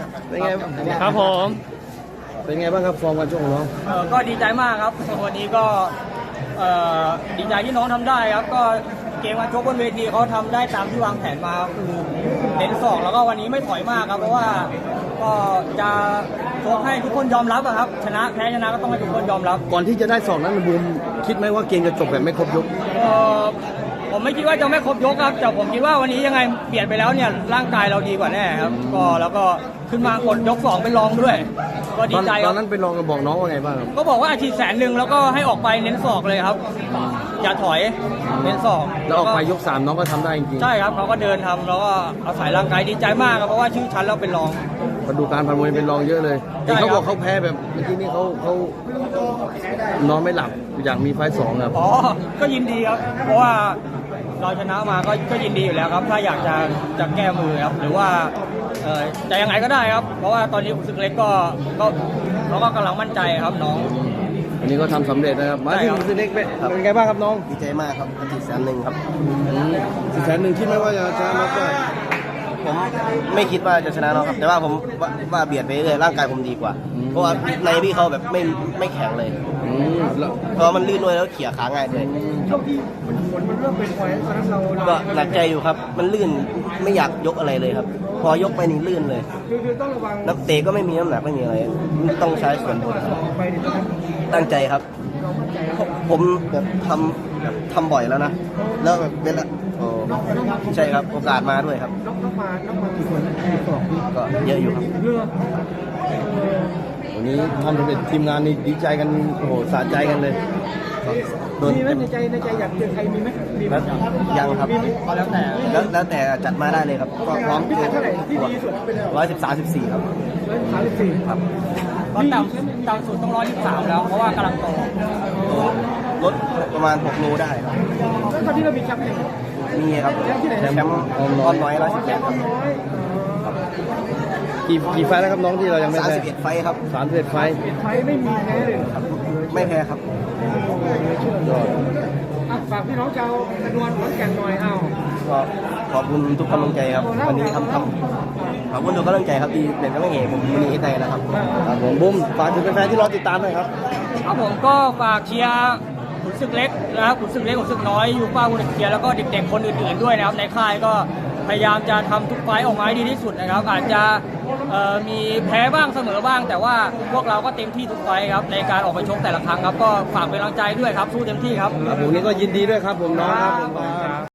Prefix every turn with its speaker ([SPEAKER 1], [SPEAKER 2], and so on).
[SPEAKER 1] เป็นไง
[SPEAKER 2] ครับผม
[SPEAKER 1] เป็นไงบ้างครับฟอร์มการชกของน้อง
[SPEAKER 2] ก็ดีใจมากครับวันนี้ก็ดีใจที่น้องทำได้ครับก็เกมการชกบนเวทีเขาทำได้ตามที่วางแผนมาคือเน้นศอกแล้วก็วันนี้ไม่ถอยมากครับเพราะว่าก็จะชกให้ทุกคนยอมรับครับชนะแพ้ชนะก็ต้องให้ทุกคนยอมรับ
[SPEAKER 1] ก่อนที่จะได้ศอกนั้นบูมคิดไหมว่าเกมจะจบแบบไม่ครบยก
[SPEAKER 2] ผมไม่คิดว่าจะไม่ครบยกครับแต่ผมคิดว่าวันนี้ยังไงเปลี่ยนไปแล้วเนี่ยร่างกายเราดีกว่าแน่ครับก็แล้วก็ขึ้นมากดยก2เป็นรองด้วยก็ดีใจ
[SPEAKER 1] ตอนนั้นเป็นรองกับบอกน้องว่าไงบ้างครับ
[SPEAKER 2] ก็บอกว่าอาชีพ100,000แล้วก็ให้ออกไปเน้นศอกเลยครับอย่าถอยเน้นศอก
[SPEAKER 1] แล้วออกไปยก3น้องก็ทำได้จริง
[SPEAKER 2] ใช่ครับเขาก็เดินทำแล้วก็อาศัยร่างกายดีใจมากครับเพราะว่าชื่อชั้นเราเป็นรอง
[SPEAKER 1] มาดูการผ่านมวยเป็นรองเยอะเลยเขาบอกเขาแพ้แบบเมื่อกี้นี่เขานอนไม่หลับอยากมีไฟ2ครับ
[SPEAKER 2] อ๋อก็ยินดีครับเพราะว่าเราชนะมาก็ยินดีอยู่แล้วครับถ้าอยากจะแก้มือครับหรือว่าจะยังไงก็ได้ครับเพราะว่าตอนนี้ขุนศึกเล็กก็เขาก็กำลังมั่นใจครับน้อง
[SPEAKER 1] อันนี้ก็ทำสำเร็จนะครับมาที่ขุนศึกเล็กเป็นไงบ้างครับน้อง
[SPEAKER 3] ดีใจมากครับอาทิตย์100,000ครับ
[SPEAKER 1] 100,000คิดไหมว่าจะชนะน็อกได้
[SPEAKER 3] ผมไม่คิดว่าจะชนะน็อกครับแต่ว่าผมว่าเบียดไปเรื่อยร่างกายผมดีกว่าเพราะว่าในพี่เขาแบบไม่แข็งเลยเพราะมันลื่นด้วยแล้วเขี่ยขาง่ายด้วย
[SPEAKER 4] ช่วงที่ฝนมันเริ่มเป็นพอยตอนนั้นเรา
[SPEAKER 3] ก็หนักใจอยู่ครับมันลื่นไม่อยากยกอะไรเลยครับพอยกไปนี่ลื่นเลย
[SPEAKER 4] คือต้องระวัง
[SPEAKER 3] นักเตะก็ไม่มีน้ำหนักไม่มีอะไรต้องใช้ส่วนบนตั้งใจครับผมแบบทำบ่อยแล้วนะแล้วแบบเวลาใช่ครับโอกาสมาด้วยครับ
[SPEAKER 4] น้องมากี่คน
[SPEAKER 3] ก็เยอะอยู่ครับ
[SPEAKER 1] วันนี้ทำสำเร็จทีมงานนี่ดีใจกันโอ้โหสะใจกันเลย
[SPEAKER 4] มีไหมในใจอยากเจอใครมีไหม
[SPEAKER 3] ยังครับแล้วแต่จัดมาได้เลยครับก็พร้อม
[SPEAKER 4] พิกัดเท่าไหร่ที่ดีสุด
[SPEAKER 3] 113-14ครับ
[SPEAKER 4] 134
[SPEAKER 3] ครับ
[SPEAKER 2] ก็ต่ำสุดต้อง123แล้วเพราะว่ากำลังโต
[SPEAKER 3] ลดประมาณ6 โลได้ครับ
[SPEAKER 4] แล้วตอนที่เรามีแชมป์ไหน
[SPEAKER 3] มีครับแชมป์อ้อมน้อย118ครับ
[SPEAKER 1] กี่ไฟแล้วครับน้องที่เรายังไม่แพ้
[SPEAKER 3] 31 ไฟครับ
[SPEAKER 1] 31 ไฟ
[SPEAKER 4] ไม่มีแพ้เลย
[SPEAKER 3] ครับไม่แพ้ครับ
[SPEAKER 4] ฝากพี่น้องชาวนวลขอนแก่นหน่อยเอา
[SPEAKER 3] ก็ขอบคุณทุกกำลังใจครับวันนี้ทำขอบคุณทุกกำลังใจครับที่เป็นกำลังใจผมวันนี้ให้ใจนะครับ
[SPEAKER 1] ผมบุ้มฝากถึงแฟนๆที่รอติดตามหน่อยครับ
[SPEAKER 2] ครับผมก็ฝากเชียร์ขุนศึกเล็กนะครับขุนศึกเล็กขุนศึกน้อยยูฟ่าวุฒิเกียร์แล้วก็เด็กๆคนอื่นๆด้วยนะครับในค่ายก็พยายามจะทำทุกไฟต์ออกมาให้ดีที่สุดนะครับอาจจะมีแพ้บ้างเสมอบ้างแต่ว่าพวกเราก็เต็มที่ทุกไฟต์ครับในการออกไปชกแต่ละครั้งครับก็ฝากเป็นกำลังใจด้วยครับสู้เต็มที่ครับ
[SPEAKER 1] ผมนี่ก็ยินดีด้วยครับผมน้องครับ